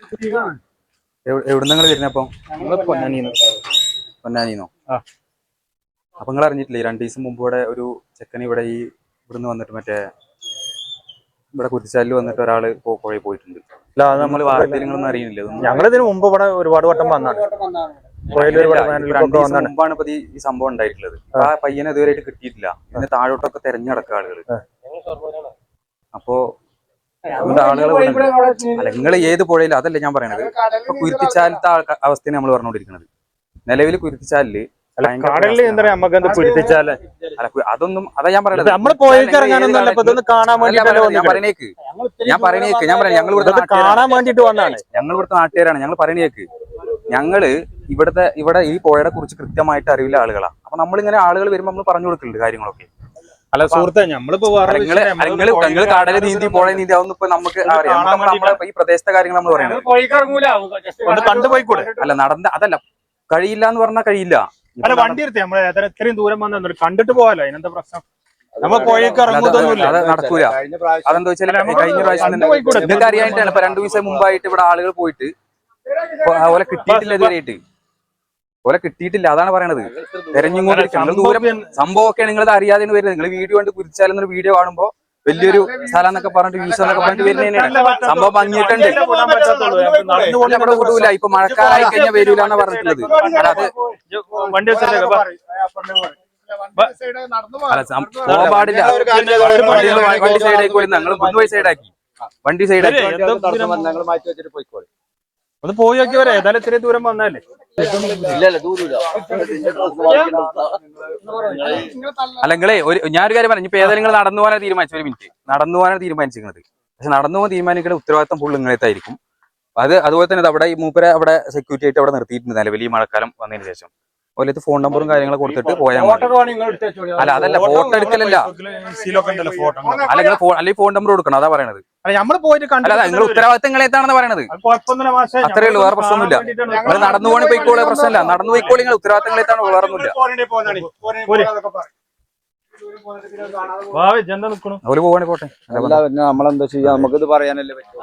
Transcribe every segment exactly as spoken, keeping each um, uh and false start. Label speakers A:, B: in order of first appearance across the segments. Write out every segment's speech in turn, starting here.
A: എവിടുന്ന് നിങ്ങൾ വരുന്നപ്പം?
B: പൊന്നാനിന്ന്.
A: പൊന്നാനിന്നോ? ആ. അപ്പൊ നിങ്ങൾ അറിഞ്ഞിട്ടില്ലേ രണ്ടു ദിവസം മുമ്പ് ഇവിടെ ഒരു ചെക്കൻ ഇവിടെ ഈ ഇവിടുന്ന് വന്നിട്ട് മറ്റേ ഇവിടെ കുരിശാലിൽ വന്നിട്ട് ഒരാള് പുഴയിൽ പോയിട്ടുണ്ട്. നമ്മൾ വാർത്തയിൽ നിങ്ങളൊന്നും അറിയുന്നില്ല?
B: ഞങ്ങളിതിന് മുമ്പ് ഇവിടെ ഒരുപാട് വട്ടം വന്നാണ്.
A: രണ്ടു ദിവസം മുമ്പാണ് ഇപ്പൊ ഈ സംഭവം ഉണ്ടായിട്ടുള്ളത്. ആ പയ്യനെ ഇതുവരെയായിട്ട് കിട്ടിയിട്ടില്ല. പിന്നെ താഴോട്ടൊക്കെ തെരഞ്ഞു നടക്കുക ആളുകൾ. അപ്പോ അതുകൊണ്ട് ആളുകൾ അല്ല നിങ്ങൾ ഏത് പുഴയിലും അതല്ല ഞാൻ പറയണത്. ഇപ്പൊ കുരുത്തിച്ചാലത്തെ അവസ്ഥയാണ് നമ്മൾ പറഞ്ഞുകൊണ്ടിരിക്കുന്നത്. നിലവിൽ കുരുത്തിച്ചാലില് അതൊന്നും അതാ ഞാൻ പറയുന്നത്. ഞാൻ പറയണേക്ക് ഞാൻ പറയണേക്ക് ഞാൻ പറയാം ഞങ്ങൾ ഇവിടുത്തെ കാണാൻ വേണ്ടിട്ട് വന്നാണ്. ഞങ്ങൾ ഇവിടുത്തെ നാട്ടുകാരാണ്. ഞങ്ങൾ പറയണേക്ക് ഞങ്ങള് ഇവിടുത്തെ ഇവിടെ ഈ പുഴയെ കുറിച്ച് കൃത്യമായിട്ട് അറിവില്ല ആളുകളാണ്. അപ്പൊ നമ്മളിങ്ങനെ ആളുകൾ വരുമ്പോൾ നമ്മൾ പറഞ്ഞു കൊടുക്കുന്നുണ്ട് കാര്യങ്ങളൊക്കെ.
B: അല്ല സുഹൃത്തെ, ഞമ്മളിപ്പോ
A: നിങ്ങൾ കടല് നീന്തി പുഴ നീന്തി അതൊന്നും ഇപ്പൊ നമുക്ക് അറിയാം. നമ്മളെ ഈ പ്രദേശത്തെ കാര്യങ്ങൾ നമ്മൾ പറയുന്നത്
B: കണ്ടുപോയിക്കൂടെ?
A: അല്ല നടന്ന അതല്ല കഴിയില്ല എന്ന് പറഞ്ഞാൽ കഴിയില്ല.
B: അല്ല വണ്ടി എടുത്തേ നമ്മളെ ഇത്രയും ദൂരം വന്നു കണ്ടിട്ട് പോകാലോ. അതിനെന്താ പ്രശ്നം? നമ്മൾ പുഴയ്ക്ക് ഇറങ്ങുന്നൊന്നുമില്ല.
A: അത് നടക്കൂല. അതെന്താ വെച്ചാൽ കഴിഞ്ഞ പ്രാവശ്യം നിങ്ങൾക്ക് അറിയാനായിട്ടാണ് ഇപ്പൊ രണ്ടു ദിവസം മുമ്പായിട്ട് ഇവിടെ ആളുകൾ പോയിട്ട് അതുപോലെ കിട്ടിയിട്ടില്ല. ഇതുവരെയായിട്ട് പോലെ കിട്ടിയിട്ടില്ല. അതാണ് പറയണത്. തെരഞ്ഞുകൊണ്ടിരിക്കുന്നത് ദൂരം സംഭവമൊക്കെ നിങ്ങളത് അറിയാതെ വരുന്നത്. നിങ്ങൾ വീഡിയോ കണ്ട് കുരിച്ചാലെന്നൊരു വീഡിയോ കാണുമ്പോൾ വലിയൊരു സ്ഥലം എന്നൊക്കെ പറഞ്ഞിട്ട് വ്യൂസ് എന്നൊക്കെ പറഞ്ഞിട്ട് വരുന്നതിനാണ് സംഭവം ഭംഗിയിട്ടുണ്ട്. നമ്മുടെ വിടൂല. ഇപ്പൊ മഴക്കാലായി കഴിഞ്ഞാൽ വരൂല എന്നാ പറഞ്ഞിട്ടുള്ളത്. അത് പോകാൻ പാടില്ല. വണ്ടി സൈഡാക്കി ഞങ്ങൾ മുൻപോയി സൈഡാക്കി വണ്ടി സൈഡാക്കി
B: മാറ്റി വെച്ചിട്ട് പോയിക്കോളെ. ഒന്ന് പോയി നോക്കി വരാം. ഏതായാലും ഇത്രയും ദൂരം വന്നാലേ.
A: അല്ല നിങ്ങളെ ഒരു ഞാനൊരു കാര്യം പറഞ്ഞു. ഇപ്പൊ ഏതായാലും നിങ്ങൾ നടന്നു പോകാനാണ് തീരുമാനിച്ചു. ഒരു മിനിറ്റ് നടന്നു പോകാനാണ് തീരുമാനിച്ചിരിക്കുന്നത്. പക്ഷെ നടന്നു പോകാൻ തീരുമാനിക്കുന്ന ഉത്തരവാദിത്തം ഫുൾ നിങ്ങളെത്തായിരിക്കും. അത് അതുപോലെ തന്നെ അവിടെ ഈ മൂപ്പരെ അവിടെ സെക്യൂരിറ്റി ആയിട്ട് അവിടെ നിർത്തിയിട്ടുണ്ട് നിലവിൽ ഈ മഴക്കാലം വന്നതിന് ശേഷം. അതുപോലെ ഫോൺ നമ്പറും കാര്യങ്ങളും കൊടുത്തിട്ട് പോയാൽ മതി. അല്ല അതല്ല ഫോട്ടോ എടുക്കലല്ല. അല്ല നിങ്ങൾ അല്ലെങ്കിൽ ഫോൺ നമ്പർ കൊടുക്കണം. അതാ പറയണത്. അല്ല നിങ്ങൾ ഉത്തരവാദിത്തം നിങ്ങളെത്താണെന്ന് പറയണത്. അത്രേ ഉള്ളൂ. വേറെ പ്രശ്നമൊന്നുമില്ല. നിങ്ങൾ നടന്നു പോകണ പോയിക്കോളെ പ്രശ്നമില്ല. നടന്നു പോയിക്കോളി. നിങ്ങൾ ഉത്തരവാദിത്തം നിങ്ങളെത്താണ്. വേറെ ഒന്നുമില്ല. അവര് പോവാണെ പോട്ടെ.
C: നമ്മളെന്താ ചെയ്യാ? നമുക്കിത് പറയാനല്ലേ പറ്റും.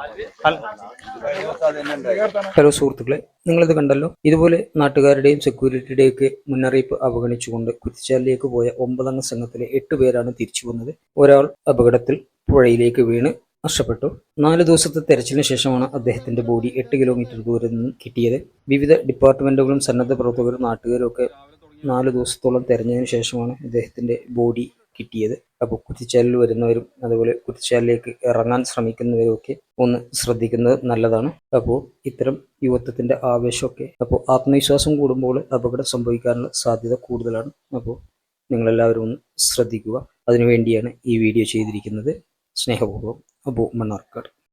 D: ഹലോ സുഹൃത്തുക്കളെ, നിങ്ങളിത് കണ്ടല്ലോ. ഇതുപോലെ നാട്ടുകാരുടെയും സെക്യൂരിറ്റിയുടെയും ഒക്കെ മുന്നറിയിപ്പ് അവഗണിച്ചുകൊണ്ട് കുരിശാലിലേക്ക് പോയ ഒമ്പതംഗ സംഘത്തിലെ എട്ട് പേരാണ് തിരിച്ചു വന്നത്. ഒരാൾ അപകടത്തിൽ പുഴയിലേക്ക് വീണ് നഷ്ടപ്പെട്ടു. നാല് ദിവസത്തെ തെരച്ചിലിന് ശേഷമാണ് അദ്ദേഹത്തിന്റെ ബോഡി എട്ട് കിലോമീറ്റർ ദൂരെ നിന്നും കിട്ടിയത്. വിവിധ ഡിപ്പാർട്ട്മെന്റുകളും സന്നദ്ധ പ്രവർത്തകരും നാട്ടുകാരും ഒക്കെ നാല് ദിവസത്തോളം തെരഞ്ഞതിന് ശേഷമാണ് അദ്ദേഹത്തിന്റെ ബോഡി കിട്ടിയത്. അപ്പോൾ കുരിശാലിൽ വരുന്നവരും അതുപോലെ കുരിശാലിലേക്ക് ഇറങ്ങാൻ ശ്രമിക്കുന്നവരും ഒക്കെ ഒന്ന് ശ്രദ്ധിക്കുന്നത് നല്ലതാണ്. അപ്പോൾ ഇത്തരം യുവത്വത്തിന്റെ ആവേശമൊക്കെ അപ്പോൾ ആത്മവിശ്വാസം കൂടുമ്പോൾ അപകടം സംഭവിക്കാനുള്ള സാധ്യത കൂടുതലാണ്. അപ്പോൾ നിങ്ങളെല്ലാവരും ഒന്ന് ശ്രദ്ധിക്കുക. അതിനുവേണ്ടിയാണ് ഈ വീഡിയോ ചെയ്തിരിക്കുന്നത്. സ്നേഹപൂർവ്വം അബു മണ്ണാർക്കാട്.